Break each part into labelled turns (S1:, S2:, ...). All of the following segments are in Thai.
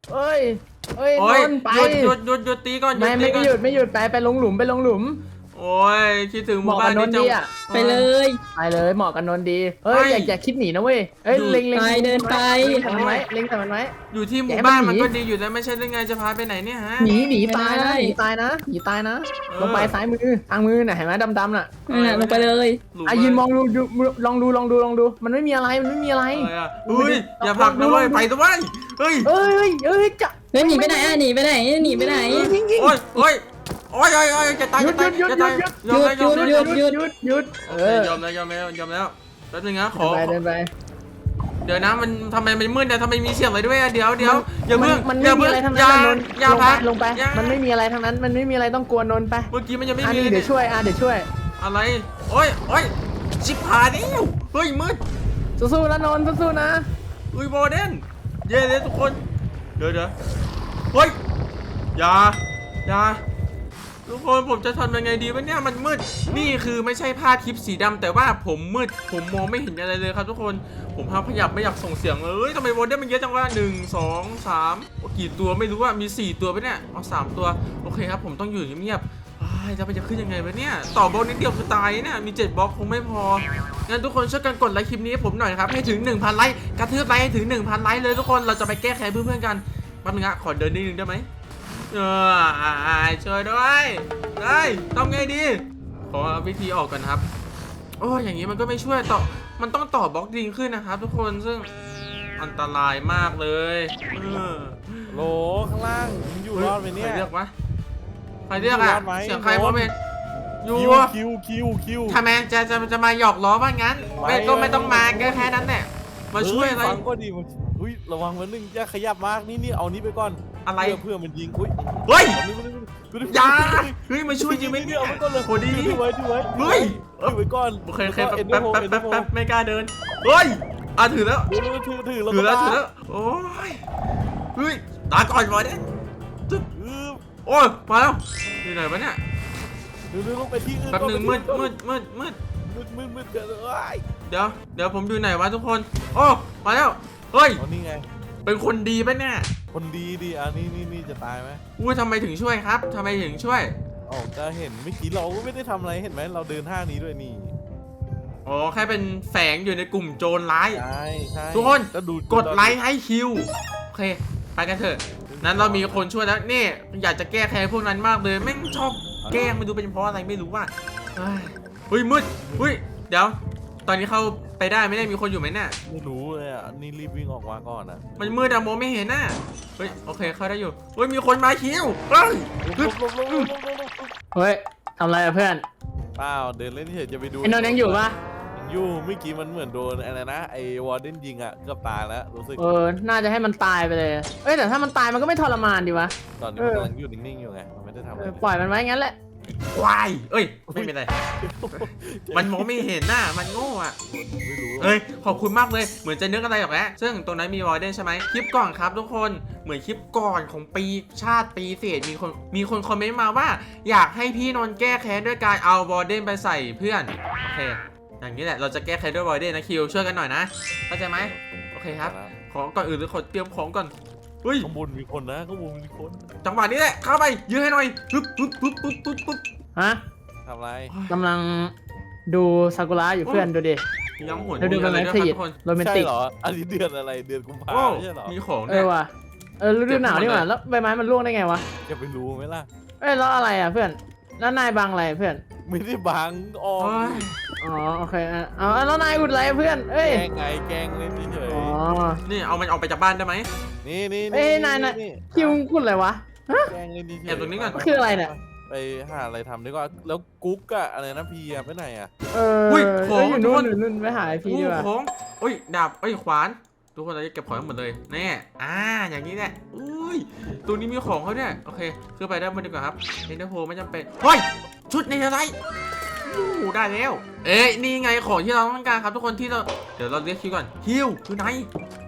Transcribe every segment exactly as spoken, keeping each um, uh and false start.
S1: เอ้ยเอ้ย
S2: โอ้ย
S1: นนท์ไป
S2: หยุดหยุดหยุดหยุดตีก่อนหยุ
S1: ไม่
S2: ดตี
S1: ไม่
S2: ก่อน
S1: หยุดไม่หยุดไปไปลงหลุมไปลงหลุม
S2: โอ้ยคิดถึงห
S1: เห
S2: มู่
S1: มาะ
S2: บ้า
S1: กับ
S2: น
S1: น
S2: นี้
S1: นท์
S2: จัง
S1: ดีอ่ะ
S3: ไปเลย
S1: ไปเลยเหมาะกับนนท์ดีเฮ้ย
S2: ไม่
S1: อย่าอย่าคิดหนีนะเว้ยเอ้ย
S2: อยู่
S1: เล็งเล็ง
S3: ไปเดินไป
S1: เล็งใส่มันไว้เล็งใส่มันไว้
S2: อยู่ที่ห
S1: อย่า
S2: มู่
S1: ให้
S2: บ้าน
S1: มั
S2: มัน
S1: นหนี
S2: ก็ดีอยู่แล้วไม่ใช่เรื่องไงจะพาไปไหนเนี่ยฮะ
S1: หนีหนี
S3: ไม่
S1: ตาย
S3: ได้
S1: นะหนีตายนะหนีตายนะ
S2: เออ
S1: ลงไปซ้ายมือทางมือน่ะเห็นไหมดำๆน่ะ
S3: นั่นน่ะลงไปเลย
S2: หลุ
S1: อ่ะยืนมองดูดูลองดูลองดูลองดูมันไม่มีอะไรมันไม่มีอะไร
S2: อะไรอ่ะอุ้ยอย่าผลักนะเว้ยไปตัวเว้ยเฮ้ย
S1: เอ้ยเอ้ยเอ้ยจะ
S3: เฮ้ยหนีไปไหนอ่ะหนีไปไหนหนีไปไหน
S1: ยิงยิง
S2: โอ้ยโอ้ยโอ้ยโอ้ยโอ้ยจะตาย
S1: หยุ
S2: จะ
S1: ด
S2: ตาย
S1: หยุด
S2: จะตาย
S1: หยุด
S2: ยอมแล้วยอม
S3: หยุ
S2: แล้ว
S3: ดหยุด
S1: หยุดหยุดเออย
S2: อมแล้วยอมแล้วยอมแล้วแป๊บนึงนะขอ
S1: เดินไป
S2: เดี๋ยวนะมันทำไมมันมืดเนี่ยทำไมมีเสียงอะไรด้วยอะเดี๋ยวเดี๋ยวอย่าเพิ่ง
S1: มัน
S2: อ
S1: ไม่
S2: ย่า
S1: มี
S2: เพิ่ง
S1: อะไรทั้ง
S2: อย่า
S1: นั้นนนท์
S2: อย่า
S1: ลงไป
S2: พัก
S1: ลงไป
S2: อย่า
S1: มันไม่มีอะไรทั้งนั้นมันไม่มีอะไรต้องกลัวนนท์ไป
S2: เมื่อกี้มันยังไม่
S1: อัน
S2: มี
S1: นี้
S2: เลย
S1: เดี๋ยวช่วยอ่ะเดี๋ยวช่วย
S2: อะไรโอ้ยโอ้ยชิบหายแล้วเฮ้ยมืด
S1: สู้ๆนะนนท์สู้ๆนะ
S2: อุ้ยโมเดนเย้เลยทุกคนเดี๋ยวเดี๋ยวเฮ้ยอย่าอย่าทุกคนผมจะทำยังไงดีวะเนี่ยมันมืดนี่คือไม่ใช่ผ้าทิปสีดำแต่ว่าผมมืดผมมองไม่เห็นอะไรเลยครับทุกคนผมพยายามขยับไม่อยากส่งเสียงเลยทำไมโมเดนมันเยอะจังวะหนึ่งสองสามกี่ตัวไม่รู้ว่ามีสี่ตัวไปเนี่ยเอาสามตัวโอเคครับผมต้องอยู่เงียบๆอ้ายจะไปจะขึ้นยังไงวะเนี่ยต่อบล็อกนิดเดียวคือตายเนี่ยมีเจ็ดบล็อกคงไม่พองั้นทุกคนช่วยกันกดไลค์คลิปนี้ให้ผมหน่อยนะครับให้ถึง หนึ่งพัน ไลค์กระทืบไลค์ให้ถึง หนึ่งพัน ไลค์เลยทุกคนเราจะไปแก้แค้นเพื่อนๆกันแป๊บนึงอะขอเดินนิดนึงได้ไหมเออช่วยด้วยได้ทำไงดีขอวิธีออกก่อนครับโอ้ยอย่างนี้มันก็ไม่ช่วยต่อมันต้องต่อบล็อกดิงขึ้นนะครับทุกคนซึ่งอันตรายมากเลยเออ
S4: โหลข้างล่างมึงอยู่รอดไหมเนี่ย
S2: ใครเรียกวะใครเรียกอะ
S4: อยู่รอดไหม
S2: เสียงใครวะเมนอยู่
S4: คิวคิวคิวคิว
S2: ทำไมจะจะจะมาหยอกล้อว่างั้น
S4: ไม่
S2: ไม่ก็ไม่ต้องมาแค่แค่นั้นแหละมาช่วยอะไร
S4: เฮ้ฟังก็ดีมันอุ้ยระวังมันนึงอย่าขยับมากนี่นี่เอานี้ไปก่อน
S2: อะไร
S4: เพื่อเพื่อมันยิงอุ้ย
S2: เฮ้ย
S4: เอานี่มานี่มานี่
S2: อย่าเฮ้ยมาช่วยจริงไหม
S4: นี่
S2: เนี่ย
S4: เอาไว้ก่อนเลย
S2: โหดี
S4: ถือไว้ถือไว้
S2: เฮ้ย
S4: ถือไว้ก่อน
S2: โอเคโอเคแป๊บ
S4: เอ็น
S2: แป๊บ
S4: โฟ
S2: แป๊บ
S4: เอ็น
S2: แป๊บ
S4: โฟ
S2: แป๊บไม่กล้าเดินเฮ้ยอ่ะถือแล้ว
S4: ถือถือถือแล้ว
S2: ถือแล้ว
S4: ก็
S2: ถือแล้วโอ้ยเฮ้ยตาก่อนบอลเนี่ย
S4: ถือ
S2: โอ้ยมาแล้วที่ไหนวะเนี่ย
S4: ถือถือลงไปที่อื่น
S2: แป๊บหนึ่งมืดมืดมืดมืด
S4: มืดมืดมืดเกินเลย
S2: เดี๋ยวเดี๋ยวผมอยู่ไหนวะทุกคนโอ้มาแล้วเฮ้ย
S4: อ๋อนี่ไง
S2: เป็นคนดีปะเนี่ย
S4: คนดีดีอ่ะนี่นี่นี่จะตายไหม
S2: อุ้ยทำไมถึงช่วยครับทำไมถึงช่วย
S4: อ๋อก็เห็นเมื่อกี้เราก็ไม่ได้ทำอะไรเห็นไหมเราเดินห้างนี้ด้วยนี่
S2: อ๋อแค่เป็นแฝงอยู่ในกลุ่มโจรร้าย
S4: ใช่ใช่
S2: ทุกคน
S4: ก็ดู
S2: กดไลค์ให้คิวโอเคไปกันเถอะนั้นเรามีคนช่วยแล้วนี่อยากจะแก้แค้นพวกนั้นมากเลยแม่งชอบแกล้งไม่รู้เป็นเพราะอะไรไม่รู้ว่าเฮ้ยเฮ้ยมืดเฮ้ยเดี๋ยว ตอนนี้เข้าไปได้ไม่ได้มีคนอยู่ไหมเนี่ย
S4: ไม่รู้เลยอ่ะนี่รีบวิ่งออกมาก่อนอ่ะ
S2: มันมืดอะโมไม่เห็นน่ะเฮ้ยโอเคเข้าได้อยู่เฮ้ยมีคนมาคิวเฮ้ย
S4: ลบลบลบลบลบลบลบ
S1: เฮ้ยทำอะไรอะเพื่อน
S4: เปล่าเดินเล่นเฉยจะไปดู
S1: ไอ้นนท์ยังอยู่ปะ
S4: ยังอยู่เมื่อกี้มันเหมือนโดนอะไรนะไอ้วอร์เดนยิงอ่ะเกือบตายแล้วรู้สึก
S1: เออน่าจะให้มันตายไปเลยเอ้ยแต่ถ้ามันตายมันก็ไม่ทรมานดีวะ
S4: ตอนนี้
S1: เอ
S4: มัน
S1: อ
S4: กำลังอยู่นิ่งๆอยู่ไงมันไม่ได้ทำอะ
S1: เอ
S4: ไร
S1: อปล่อยมันไว้งั้นแหละ
S2: ควายเอ้ยไม่เป็นไรมันมองไม่เห็นน่ะมันโง่อะ
S4: ไม่รู้
S2: เอ้ยขอบคุณมากเลยเหมือนจะนึกอะไรออกแล้วซึ่งตรงนั้นมีวอร์เดนใช่ไหมคลิปก่อนครับทุกคนเหมือนคลิปก่อนของปีชาติปีเศษมีคนมีคนคอมเมนต์มาว่า อยากให้พี่นนท์แก้แค้นด้วยการเอาวอร์เดนไปใส่เพื่อนโอเคอย่างนี้แหละเราจะแก้แค้นด้วยวอร์เดนนะคิวช่วยกันหน่อยนะเข้าใจไหมโอเคครับของก่อนอื่นหรือขอเตรียมของก่อนเฮ้ย
S4: ข้างบนมีคนนะข้างบนมีคน
S2: จังหวะนี้แหละเข้าไปยื้อให้หน่อยปึ๊บปึ๊บปึ๊บปึ๊บปึ๊บปึ๊บ
S1: ฮะ
S4: ทำไร
S1: กำลังดูซากุระอยู่เพื่อนดูดิ
S2: ย้ำหัว
S1: แล้วดู
S2: มี
S1: มั
S2: อะ
S1: น
S2: ไร
S1: ไม่
S2: ด้วย
S1: ข
S2: ครับ
S1: ยิบ
S2: ทุกคน
S1: โรแมน
S4: ใช่
S1: ติก
S4: เหรออันนี้เดือนอะไรเดือนกุมภา
S2: โอ้
S4: ไม่ใช่เหรอ
S2: มีของ
S1: เอ
S2: เนี่
S1: อย ว่ะเออฤดูหนาวนี่หว่าแล้วใบไม้มันร่วงได้ไงวะ
S4: จะไปรู้ไหมล่ะ
S1: เอ้ยแล้วอะไรอ่ะเพื่อนแล้วนายบังอะไรเพื่อน
S4: ไม่ได้บังออ
S2: โอ้
S4: ม
S2: ย
S1: อ๋อโอเคอ่ะเอาแล้วนายอุดอะไรเพื่อนเอ้ย
S4: แกล้งไงแกล้งเล่นเฉย
S1: อ๋อ
S2: นี่เอามันออกไปจากบ้านได้ไหม
S4: ๆนี่นี่
S1: เอ้ยนายนายคิวคุณอะไรวะ
S4: แกล้งเล่นเฉยๆ
S2: แอบตรงนี้ก่อน
S1: คืออะไรเนี่ย
S4: ไปหาอะไรทำดีกว่าแล้วกุ๊กอะอะไรนะพีอะไปไหนอะ
S1: เออ
S2: อุ้ย
S1: เอ
S2: ของ
S1: ออยู่
S2: ทุก
S1: นู่
S2: คน น
S1: อยู่นู่นไปหาไอพีดีกว่า
S2: โอ้ของอุ้ยดาบเอ้ยขวานทุกคนเราจะเก็บของหมดเลยแน่อ่าอย่างนี้แหละอุ้ยตัวนี้มีของเขาเนี่ยโอเคขึ้นไปได้านบนดีกว่าครับเอ็นเดอร์โพไม่จำเป็นเฮ้ยชุดในอะไรอู้ได้แล้วเอ้ยนี่ไงของที่เราต้องการครับทุกคนที่เราเดี๋ยวเราเรียกคิวก่อนคิวอยู่ไหน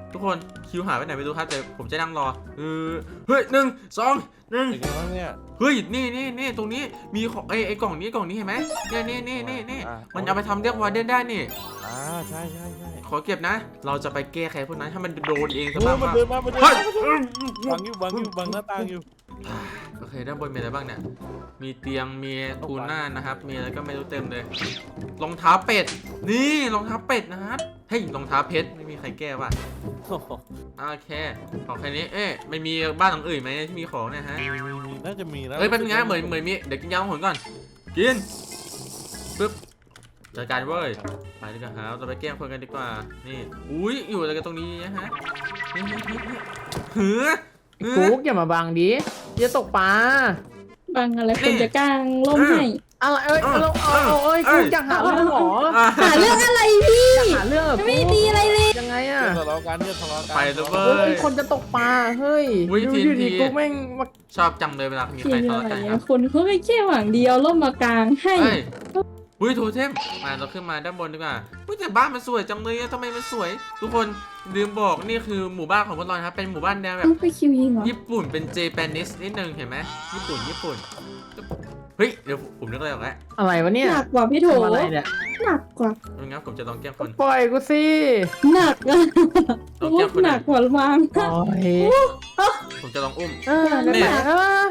S2: ทุกคนคิวหายไปไหนไม่รู้ครับแต่ผมจะนั่งรอเออเฮ้ยหนึ่งสองหนึ่ง
S4: เป็นไงบ้างเนี่ย
S2: เฮ้ยนี่นี่นี่ตรงนี้มีของไอ้ไอ้กล่องนี้กล่องนี้เห็นไหมเนี่ยนี่นี่นี่นี่มันเอาไปทำเรียกวาร์เดนได้นี่
S4: อ่าใช่ใช่ใช่
S2: ขอเก็บนะ เราจะไปแก้ไขพวกนั้นถ้ามันโดนเองซะ
S4: โอ้
S2: บ้าง
S4: มัน
S2: ว่า
S4: เดินมามันเดิน
S2: เฮ้
S4: มาย บังอยู่บังอยู่บังหน้าต่างอยู่
S2: โอเคด้านบนมีอะไรบ้างเนี่ยมีเตียงมีทูน่านะครับมีอะไรก็ไม่รู้เต็มเลยรองเท้าเป็ดนี่รองเท้าเป็ดนะครับเฮ้ยรองเท้าเพชรไม่มีใครแก้ว่ะ
S4: โอ้โห
S2: โอเคของแค่นี้เอ๊ะไม่มีบ้านหลังอื่นไหมที่มีของเนี่ยฮะ
S4: มีมีมีน่าจะมีนะ
S2: เอ้ยเป็นไงเหมือนเหมือนมีเดี๋ยวกินยาหนก่อนกินปึ๊บจัดการเว้ยไปดีกว่าครับเราไปแกล้งคนกันดีกว่านี่อุ้ยอยู่อะไรกันตรงนี้นะฮะนี่นี่นี่นี่หือหือ
S1: กุ๊กอย่ามาบังดิจะตกปลา
S3: บางอะไรคนจะกลางล่มให้
S1: อะไรเอ้ยเอาเอาเอาเอ้ยกุ๊กอยากหาเรื่องเหรอ
S2: อ่ะ
S3: หาเรื่องอะไรพี่
S1: หาเรื่องเหรอ
S3: ไม่ดีอะไรเลย
S1: ยังไงอ่ะ
S4: เพื่อนทะเลาะกันเพื่อนทะเลาะกัน
S2: ไปเลยเว้
S1: เฮ้
S2: ย
S1: ยคนจะตกปลาเฮ้ย
S2: อุ๊ย
S1: ดู
S2: ที
S1: อยู่
S2: ที
S1: ดีกุ๊กแม่งมา
S2: ชอบจังเลยเวลามี
S3: พี่
S2: ใคร
S3: อะ
S2: ทะเลาะ
S3: ไร
S2: กันค
S3: เนี่
S2: รั
S3: ย
S2: บ
S3: คนเขาไม่แค่หวังเดียวล่มมากลางให้
S2: เฮ้ยอุ้ยโทเทมมาเราขึ้นมาด้านบนดีกว่าอุ้ยแต่บ้านมันสวยจังเลยอะทำไมมันสวย ทุกคนลืมบอกนี่คือหมู่บ้านของพวกเรานะครับเป็นหมู่บ้านแนวแบบ
S3: ต้องไปคิวยิงเหรอ
S2: ญี่ปุ่นเป็นเจแปนิสนิดนึงเห็นไหมญี่ปุ่นญี่ปุ่นเฮ้ยเดี๋ยวผมนึกอะไรออกแล้ว
S1: อะไรวะเนี่ย
S3: หนักกว่าพี่โถ
S1: ทำอะไรเนี่ย
S3: หนักกว่า
S2: งั้นผมจะลองแกล้งคน
S1: ปล่อยกูสิ
S3: หนักอะ
S2: ลองแก้คน
S3: หนักกว่ามัง
S1: โอ้ย
S2: ผมจะลองอุ้ม
S1: เออนั่นแหละเออ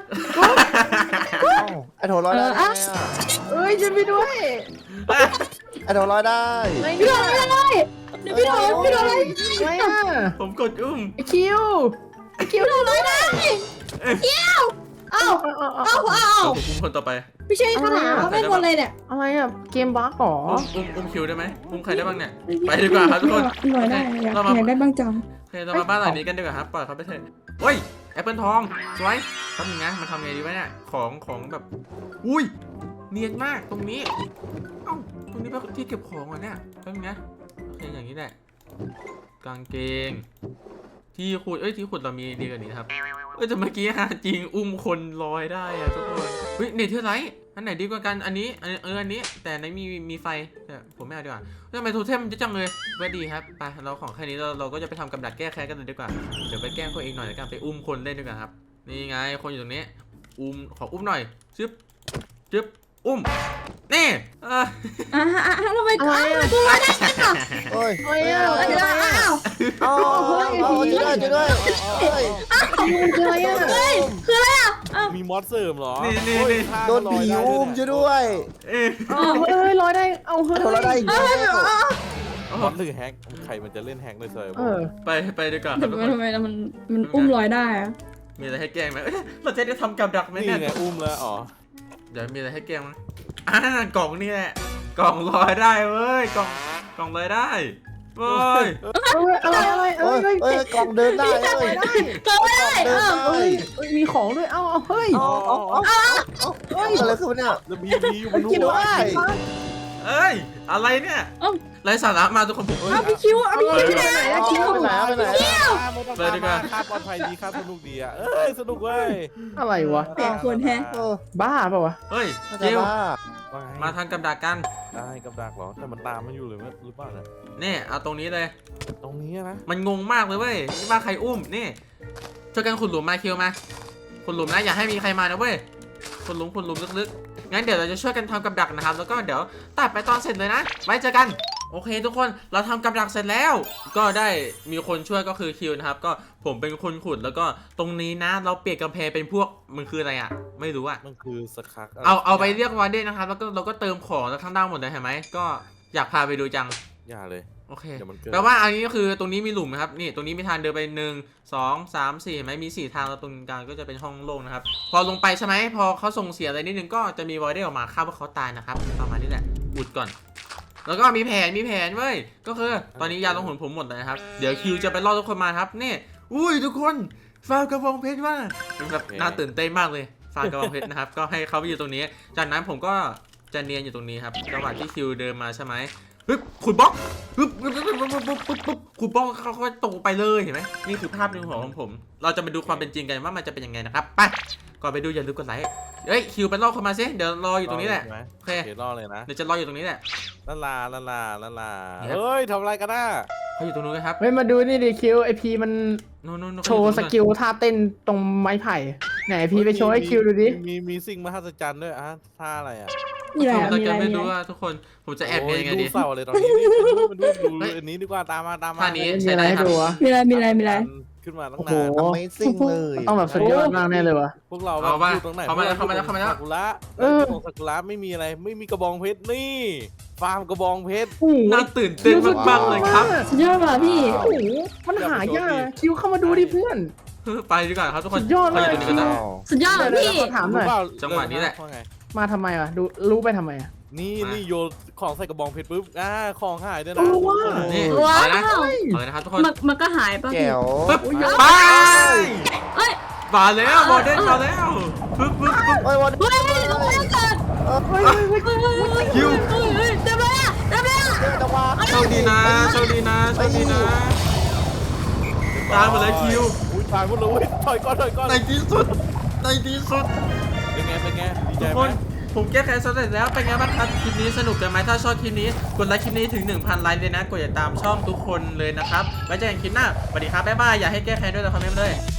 S5: ไอโถลอยได้ไงอะ
S1: เอ้ยช่วยพี่ด้วย
S5: ไอโถลอยได้
S1: ไม่
S3: พี่โถ
S1: ได้
S3: ไม่ได้เดี๋ยวพี่โถพี่โถอะไร
S1: ไม่อ่ะ
S2: ผมกดอุ้ม
S1: ไอคิวไอคิว
S3: พี่โถร้อยได้เอ้า
S1: เอาเอาเอา
S3: เอ้าเอ้า
S2: เดี๋ยวผมอุ้มคนต่อไป
S3: ไม่ใช่ขนาดไม่หมดเลยเนี่ย
S1: อะไรอ่ะเกมบั๊กหรอ
S2: อุ้มอุ้มอุ้มคิวได้ไหมอุ้มใครได้บ้างเนี่ย ไปดีกว่าครับทุกคน
S3: หน่อยได้อยาก
S2: เรามา
S3: อยากได้บ้างจัง
S2: โอเคเรามาบ้านหลังนี้กันดีกว่าครับปล่อยเขาไปเถอะเฮ้ยแอปเปิลทองสวยแป๊บนึงนะมันทำไงดีวะเนี่ยของของแบบอุ้ยเนียนมากตรงนี้เอ้าตรงนี้เป็นที่เก็บของเหรอเนี่ยแป๊บนึงนะโอเคอย่างนี้แหละกางเกง ที่ขุดเอ้ยที่ขุดเรามีดีกว่านี้ครับเอ้ยแต่เมื่อกี้ฮะจริงอุ้มคนลอยได้อะทุกคนเฮ้ยเนเธอร์ไลท์อันไหนดีกว่ากันอันนี้อันเอออันนี้แต่ในมีมีไฟแต่ผมไม่เอาดีกว่าทำไมโทเทมมันจะจังเลยไม่ดีครับไปเราของแค่นี้เราเราก็จะไปทำกับดักแก้แค้นกันเลยดีกว่าเดี๋ยวไปแกล้งคนเองหน่อยแล้วกันไปอุ้มคนเล่นดีกว่าครับนี่ไงคนอยู่ตรงนี้อุ้มขออุ้มหน่อยจึ๊บจึ๊บอุ้มนี่เออ
S3: อ่าอ่าทำไมอ้าวทำไมกูร้อยได้กันอ่ะ
S5: โอ้ย
S1: เฮ้ยอะ
S3: เดี๋ยวอ้าว
S5: เอาเอาช่วยด้วยช่วยด้วยเฮ้ย
S1: มันคืออะไรอ่ะ
S3: เฮ้ยคืออะไรอ่ะอ้าว
S4: มีมอสเสริมเหรอ
S2: นี่นี่
S4: โอ้ย
S2: นี่
S4: ฆ่า
S5: โดน
S4: ลอย
S5: ผี
S4: ได้
S5: อุ้ม
S4: ด้
S5: ช่วยด้วย
S2: เอ๊ะ
S1: เอาเฮ้ยลอยได้เอา
S5: ไอ
S1: เฮ้ย
S5: โถลอยได้อีกแล้ว
S4: มอสหรือแฮกใครมันจะเล่นแฮกในเซิร์ฟ
S1: เออ
S2: ไปไปดีกว่าค
S3: แต่
S2: รับทุกคน
S3: ทำไมมันมันอุ้มลอยได้อะ
S2: มีอะไรให้แกล้งไหมเอ้ยเราจะได้ทำกับดักไหม
S4: นี่
S2: เนี่ย
S4: ไงอุ้มแล้วอ๋อ
S2: เดี๋ยวมีอะไรให้แกล้งมั้ยอ่ากล่องนี่แหละ กล่องลอยได้เว้ย กล่อง กล่องลอยได้เว้ย
S1: อะไรอะไรเอ้
S5: เอ้
S1: ย
S5: ย
S1: เฮ้ย
S5: เอ้ยกล่องเดินได้เอ้ย
S3: ก็ไม่ได้
S5: เดิน
S3: อ้าว
S5: ได้
S1: เฮ้ยเฮ้ยมีของด้วย เอ้าเอาเฮ้ย
S5: เอาเอาเอาเอาเฮ้ยอะไรขึ้นเนี่ย
S4: แล้วพีพีอยู่บน
S5: กิน
S4: หัว
S5: ได้
S2: เอ้ย อะไรเนี่ย
S3: เอ้า
S2: ไรสาระมาทุกคนผมเอ้ย
S3: เอาพี่คิวเอาพี่คิว
S1: ไปไหนอะคิว
S5: ไปไหนไปไหน
S2: เลยดีกว่า
S4: ค่าปลอดภัยดีค่าสนุกดีอ่ะเอ้ยสนุกเว้ย
S1: อะไรวะ
S3: แปลกคนแฮะ
S5: เออ
S1: บ้าเปล่าวะ
S2: เฮ้ย
S5: น่า
S2: เจ
S5: จะ
S2: ล
S5: บ้า
S4: ว่าไง
S2: มาทำกับดักกัน
S4: ได้กับดักเหรอแต่มันตามมันอยู่เลยหรือเปล่าเนี่ย
S2: นี่ เอาตรงนี้เลย
S4: ตรงนี้นะ
S2: มันงงมากเลยเว้ยนี่ว่าใครอุ้ม นี่ ช่วยกันขุดหลุมมาคิวมาขุดหลุมนะ อย่าให้มีใครมานะเว้ยขุดหลุมขุดหลุมลึกๆ งั้นเดี๋ยวเราจะช่วยกันทำกับดักนะครับ แล้วก็เดี๋ยวตัดไปตอนเสร็จเลยนะ ไว้เจอกัน โอเคทุกคน เราทำกับดักเสร็จแล้ว ก็ได้มีคนช่วยก็คือคิวนะครับ ก็ผมเป็นคนขุดแล้วก็ตรงนี้นะ เราเปลี่ยนกำแพงเป็นพวก มันคืออะไรอ่ะ ไม่รู้อ่ะ
S4: มันคือสคักะร
S2: เอาเอาไปเรียกวาร์เดนนะครับ แล้วก็เราก็เติมของแล้วข้างล่างหมดเลยเห็นไหม ก็อยากพาไปดูจัง
S4: อย่าเลย
S2: โอเค
S4: เดี๋ยวมันเกิด
S2: แปลว่าอันนี้ก็คือตรงนี้มีหลุมนะครับ นี่ตรงนี้มีทางเดินไปหนึ่งสองสามสี่เห็นไหมมีสี่ทางแล้วตรงกลางก็จะเป็นห้องโล่งนะครับ พอลงไปใช่ไหมพอเขาส่งเสียอะไรนิดนึงก็จะมีวอร์เดนออกมาคาดว่าเขาตายนะครับประมาณนี้แหละอุดก่อน แล้วก็มีแผนมีแผนเว้ยก็คือตอนนี้ยาลงหุ่นผมหมดเลยนะครับเดี๋ยวคิวจะไปล่อทุกคนมาครับนี่อุ้ยทุกคนฟาวกระบองเพชรว่าเป็นแบบน่าตื่นเต้นมากเลยฟาวกระบองเพชรนะครับก็ให้เขาไปอยู่ตรงนี้ จากนั้นผมก็จะเนียนอยู่ตรงนี้ครับระหว่างที่คิวเดินมาใช่ไหมปึ๊บขุดบล็อกปึ๊บปึ๊บปึ๊บปึ๊บปึ๊บปึ๊บปึ๊บขุดบล็อกเขาก็ตกไปเลยเห็นไหมนี่คือภาพในหัวของผม เราจะไปดูความเป็นจริงกันว่ามันจะเป็นยังไงนะครับไปก่อนไปดูอย่าลืมกดไลค์เฮ้ยคิวไปล่อคนมาซิเดี๋ยวรออยู่ตรงนี้แหละ
S4: ใช่ไม
S2: โอเค
S4: เดี๋ยวรอเลยนะ
S2: เดี๋ยวจะรออยู่ตรงนี้แหละ
S4: ลาลาลาลาลาลา
S2: เนี่ย
S4: เฮ้ยทำอะไรกันน่ะ
S2: เขาอยู่ตรงนู้นกันครับ
S1: เฮ้ยมาดูนี่ดิคิวไอพีมัน
S2: นู้นนู้นนู้น
S1: โชว์สกิลท่าเต้นตรงไม้ไผ่ไหนไอพีไปโชว์ให้คิวดูดิ
S4: มีมีสิ่งมหัศจรรย์ด้วยอ่ะท่าอะไรอ่ะ
S3: มีอะไร
S2: ผม
S3: อะ
S2: ตะ
S3: มี
S2: เกี
S3: อะ
S2: ยบ
S3: ไร
S2: ไม่
S3: มี
S2: รู้
S3: อะไร
S2: ว่าทุกคนผมจะแอบยังไง
S4: โย
S2: ดี
S4: ดูเศร้าเลยตอนนี้นี่มาดูมาดูดู
S2: เฮ้ย
S4: อันนี้ดีกว่าตามมาตามมา
S2: ท่านี้
S1: มีอะไรให้ดูวะ
S3: มีอะไรมีอะไรมีอะไร
S4: ขึ้นมาตั้ง
S1: โอ้โห
S4: นาน
S5: Amazing เลย
S1: ต้องแบบสุดยอดมากแน่เลยวะ
S4: พวกเรา
S2: เอาป่ะ
S4: อยู่ตรงไหน
S2: เข้ามาแล้วเข้ามาแล้วเข้ามาแล้ว
S4: ซกุระ
S1: เออ
S4: ตรงซากุระไม่มีอะไรไม่มีกระบองเพชรนี่ ฟาร์มกระบองเพชร
S1: โอ้โห
S2: น่าตื่นเต้นมากๆเลยครับ
S3: สุดยอดว่ะพี่
S1: โอ้โหมันหายากคิวเข้ามาดูดิเพื่อน
S2: ไปดีกว่าครับทุกคน
S1: สุดยอดเลย
S2: เขาอยู่ตรงนี้กันนะ
S3: สุดยอดว่ะพี่
S1: เดี๋ยวๆขอถามหน่อย
S4: รู้เปล่า
S2: จังหวะนี้แหละ
S4: ว่าไง
S1: มาทำไมวะดูรู้ไปทำไมอะ
S4: นี่
S2: มานี่
S4: นี่โยนของใส่กระบองเพชรปุ๊บอ่าของหายด้วยนะ
S1: โอ้ว้าว
S2: นี่
S3: ว้าว
S2: เอาเลยนะเอาเลยนะครับทุกคน
S3: มันมันก็หายป่ะพี่
S5: แจ๋ว
S2: ปึ๊บ
S1: โอ้ย
S2: ไป
S3: เอ้ย
S2: มาแล้วบอลเด้นมาแล้วปึ๊บปึ๊บปึ๊บ
S5: โอ้ยวัน
S3: เฮ้ยลงไปแล้วเกิด
S1: เฮ้ยเฮ้ยเฮ้ย
S3: เฮ้ยเฮ้ยเฮ้ย
S2: คิว
S3: เฮ้ยเฮ้ยเต็มเลยอะเต็มเลยอะ
S5: จะว่า
S2: โชคดีนะโชคดีนะโชคดีนะตามมาเลยคิว
S4: อุ้ยตายหมดเลยเว้ยถอยก่อนถอยก่อน
S2: ในที่สุดในที่สุด
S4: เป็นไงเป็นไงดีใจ
S2: ทุก
S4: ไห
S2: ค
S4: ม
S2: นผมแก้แค้นสำเร็จแล้วเป็นไงบ้างครับคลิปนี้สนุกกันไหมถ้าชอบคลิปนี้กดไลค์คลิปนี้ถึง หนึ่งพัน ไลค์เลยนะกดติดตามช่องทุกคนเลยนะครับไว้เจอกันคลิปหน้าสวัสดีครับบ๊ายบายอย่าให้แก้แค้นด้วยนะคอมเมนต์มาเลย